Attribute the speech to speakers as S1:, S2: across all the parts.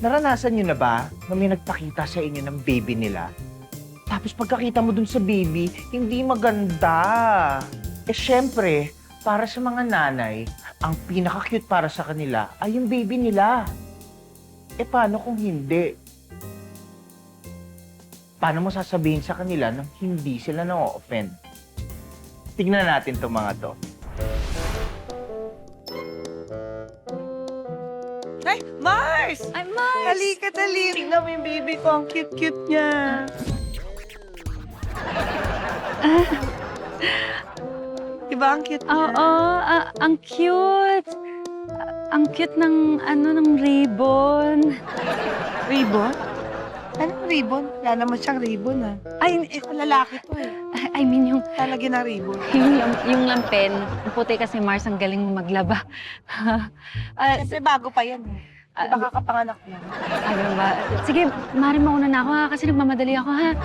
S1: Naranasan nyo na ba na may nagpakita sa inyo ng baby nila? Tapos pagkakita mo dun sa baby, hindi maganda. Eh syempre, para sa mga nanay, ang pinaka-cute para sa kanila ay yung baby nila. Eh paano kung hindi? Paano mo sasabihin sa kanila nang hindi sila na-offend? Tignan natin itong mga to.
S2: Ay, Mars!
S3: Ay, Mars!
S2: Halika, dali. Tingnan mo yung baby ko. Ang cute-cute niya. Diba ang cute niya?
S3: Oo, ang cute. Ang cute ng, ng ribbon.
S2: Ribbon? Anong ribbon? Wala naman siyang ribbon, ah. Ay, lalaki to, eh.
S3: I mean, yung,
S2: Lalagyan ng ribbon.
S3: yung lampen. Ang puti kasi, Mars, ang galing mo maglaba.
S2: Siyempre, bago pa yan, eh. Diba kakapanganak mo?
S3: Ano ba? Sige, Mari, mauna na ako, ha? Kasi nagmamadali ako, ha?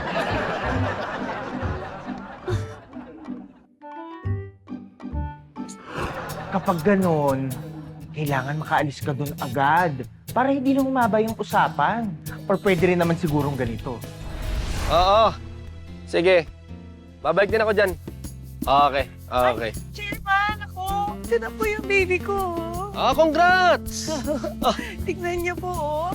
S1: Kapag ganon, kailangan makaalis ka dun agad para hindi na humaba yung usapan. Or pwede rin naman sigurong ganito.
S4: Oo. Sige. Babalik din ako dyan. Okay. Okay.
S2: Chairman, ako. Ito na po yung baby ko, oh.
S4: Congrats!
S2: Tignan niyo po, oh.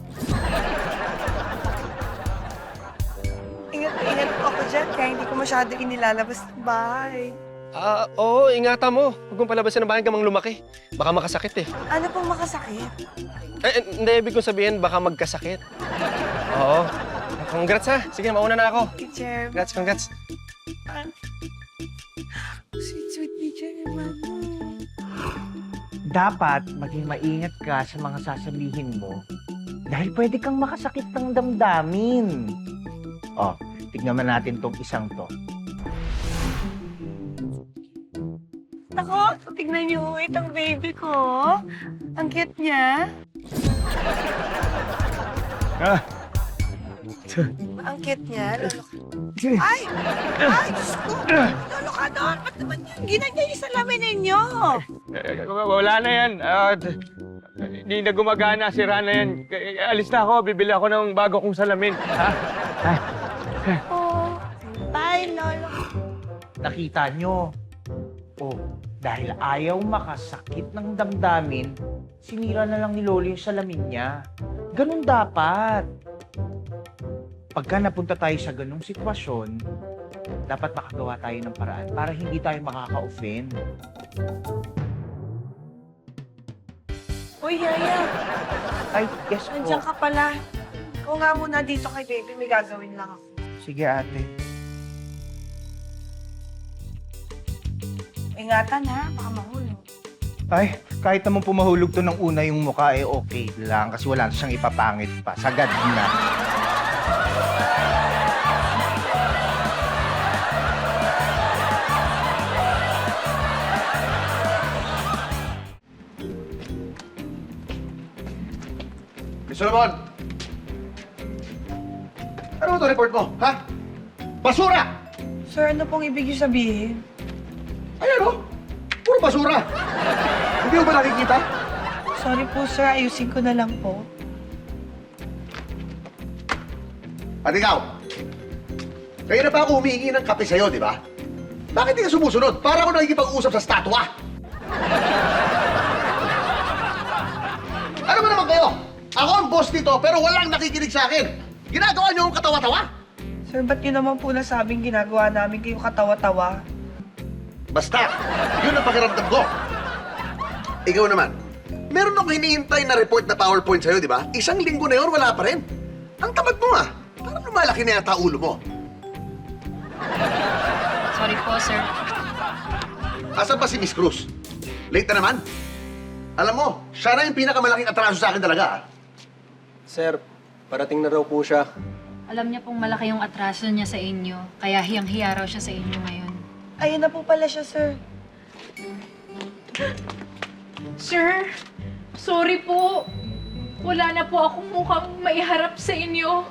S2: Ingat na ingat po ako dyan, kaya hindi ko masyado inilalabas ng bahay.
S4: Oo, ingatan mo. Huwag mong palabasin ng bahay hanggang lumaki. Baka makasakit eh.
S2: Ano pong makasakit?
S4: Hindi, ibig kong sabihin, baka magkasakit. Oo. Congrats ha. Sige, mauna na ako.
S2: Kay Chairman.
S4: Congrats.
S2: Sweet ni Chairman.
S1: Dapat maging maingat ka sa mga sasabihin mo dahil pwede kang makasakit ng damdamin. Oh, tignan man natin tong isang to.
S2: Ako, tignan niyo itong baby ko. Ang cute niya. Ang cute niya. Lolo ka. Ay! Ay, Diyos ko! Lolo ka doon! Ba't naman yan? Ginanyan yung salamin ninyo.
S5: Wala na yan. Hindi na gumagana. Sira na yan. Alis na ako. Bibili ako ng bago kong salamin. Ha?
S2: Oh, bye, Lolo.
S1: Nakita nyo? Oh, dahil ayaw makasakit ng damdamin, sinira na lang ni Lolo yung salamin niya. Ganun dapat. Pagka napunta tayo sa ganung sitwasyon, dapat makagawa tayo ng paraan para hindi tayo makaka-offend.
S2: Uy, Yaya.
S1: Ay, yes po.
S2: Nandiyan ka pala. Ikaw nga muna dito kay baby. May gagawin lang ako.
S1: Sige, ate.
S2: Ingatan ha, baka mahulog.
S1: Ay, kahit naman pumahulog to ng una yung mukha, eh okay lang kasi wala na siyang ipapangit pa. Sagad na.
S6: Mr. Solomon! Ano ito report mo, ha? Basura!
S2: Sir, ano pong ibig niyo sabihin?
S6: Ayan o! Puro basura! Hindi mo ba nakikita?
S2: Sorry po, sir. Ayusin ko na lang po.
S6: At ikaw, kaya na pa ako humihingi ng kape sa'yo, di ba? Bakit di ka sumusunod? Para ako nakikipag-usap sa statwa! Ano ba naman kayo? Ako ang boss dito, pero walang nakikinig sa akin. Ginagawa niyo akong katawa-tawa?
S2: Sir, ba't yun naman po nasabing ginagawa namin kayo katawa-tawa?
S6: Basta, yun ang pakiramdam ko. Ikaw naman, meron akong hinihintay na report na PowerPoint sa'yo, di ba? Isang linggo na yun, wala pa rin. Ang tamad mo ah. Parang lumalaki na yata ulo mo.
S3: Sorry po, sir.
S6: Asan pa si Miss Cruz? Late na naman. Alam mo, siya na yung pinakamalaking atraso sa akin talaga ah.
S4: Sir, parating na raw po siya.
S7: Alam niya pong malaki yung atraso niya sa inyo, kaya hiyang-hiya raw siya sa inyo ngayon.
S2: Ayun na po pala siya, sir.
S8: Sir, sorry po. Wala na po akong mukhang maiharap sa inyo.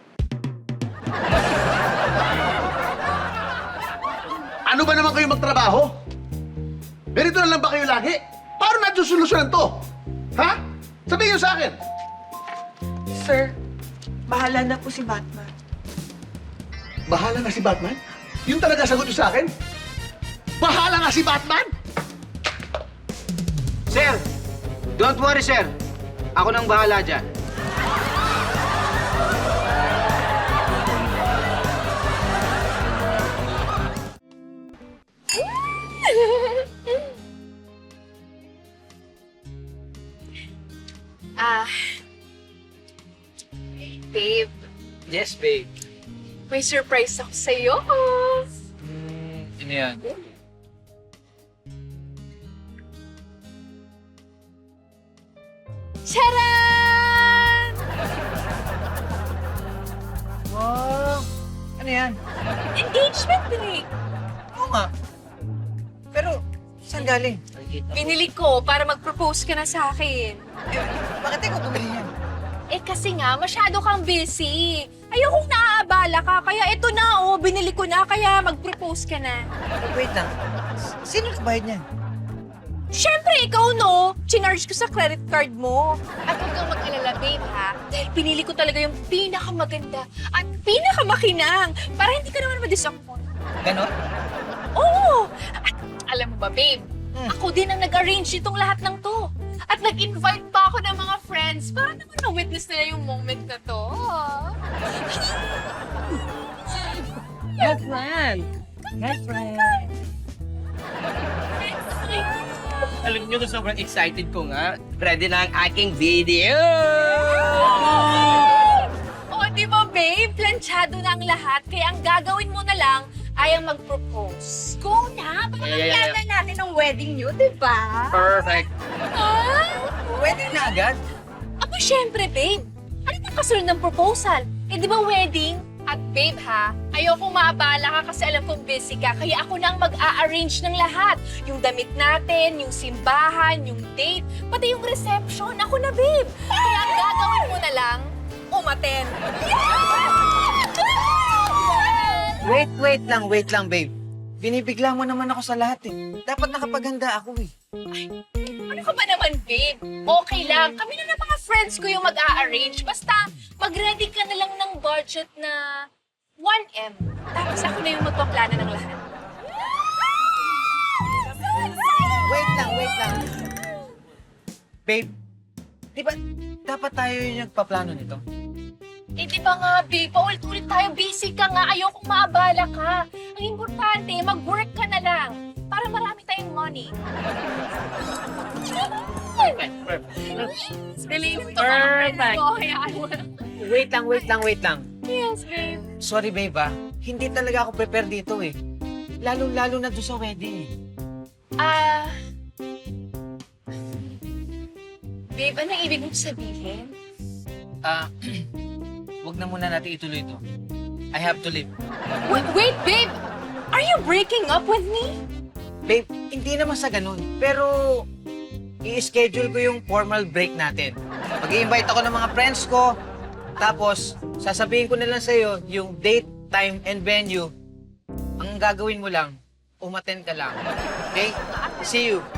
S6: Ano ba naman kayo magtrabaho? Ganito na lang ba kayo lagi? Paano natin solusyonan to? Ha? Sabihin niyo sa akin.
S2: Sir, bahala na po si Batman.
S6: Bahala na si Batman? Yun talaga sagot niyo sa akin? Bahala nga si Batman?
S9: Sir, don't worry, sir. Ako nang bahala dyan.
S8: Babe,
S9: Yes, babe.
S8: may surprise ako sa'yo.
S9: Ano yan?
S8: Charan!
S9: Wow! Ano yan?
S8: Engagement ring!
S9: Oo nga. Pero, saan galing?
S8: Binili ko para mag-propose ka na sa akin.
S9: Bakit ikaw bumili yan?
S8: Eh kasi nga, masyado kang busy. Ayokong naaabala ka, kaya eto na oh, binili ko na, kaya mag-propose ka na.
S9: Wait lang. Sino nagbayad niyan?
S8: Siyempre, ikaw no, chinarge ko sa credit card mo. At huwag kang mag-alala, babe ha, dahil pinili ko talaga yung pinakamaganda at pinakamakinang para hindi ka naman ma-disappoint.
S9: Ganon?
S8: Oo! At alam mo ba, babe, ako din ang nag-arrange itong lahat ng to. At nag-invite pa ako ng mga friends para naman na-witness nila yung moment na to.
S9: Good friend! Good friend! Alam niyo, sobrang excited ko nga. Ready na ang aking video!
S8: O, di ba, babe? Planchado na ang lahat, kaya ang gagawin mo na lang ay ang mag-propose. Go na! Para
S9: Yeah.
S8: natin ang wedding nyo, di ba?
S9: Perfect!
S8: Ah?
S9: Wedding na agad?
S8: Aba, syempre, babe. Ano bang kasunod ng proposal? Eh, di ba wedding? At babe ha, ayokong maabala ka kasi alam kong busy ka, kaya ako na ang mag-a-arrange ng lahat. Yung damit natin, yung simbahan, yung date, pati yung reception. Ako na, babe. Kaya ang gagawin mo na lang, umaten.
S9: Wait lang, babe. Binibigla mo naman ako sa lahat eh. Dapat nakapaganda ako eh.
S8: Ano ka ba naman, babe? Okay lang. Kami na ng mga friends ko yung mag-a-arrange. Basta, mag-ready ka na lang ng budget na 1M. Tapos ako na yung magpaplano ng lahat.
S9: Wait lang. Babe, di ba dapat tayo yung nagpaplano nito?
S8: Eh, di ba nga, babe? Paulit-ulit tayo. Busy ka nga. Ayokong maabala ka. Ang importante, mag-work ka na lang. Para marami tayong money. Believe to mga friends ko. Hayaan mo na.
S9: Wait lang.
S8: Yes, babe.
S9: Sorry, babe ah. Hindi talaga ako prepare dito eh. Lalo na doon sa wedding eh.
S8: Babe, anong ibig mong sabihin?
S9: Wag na muna natin ituloy ito. I have to leave.
S8: Wait, babe! Are you breaking up with me?
S9: Babe, hindi naman sa ganun. Pero, i-schedule ko yung formal break natin. Mag-i-invite ako ng mga friends ko. Tapos, sasabihin ko na lang sa'yo yung date, time, and venue. Ang gagawin mo lang, umattend ka lang. Okay? See you.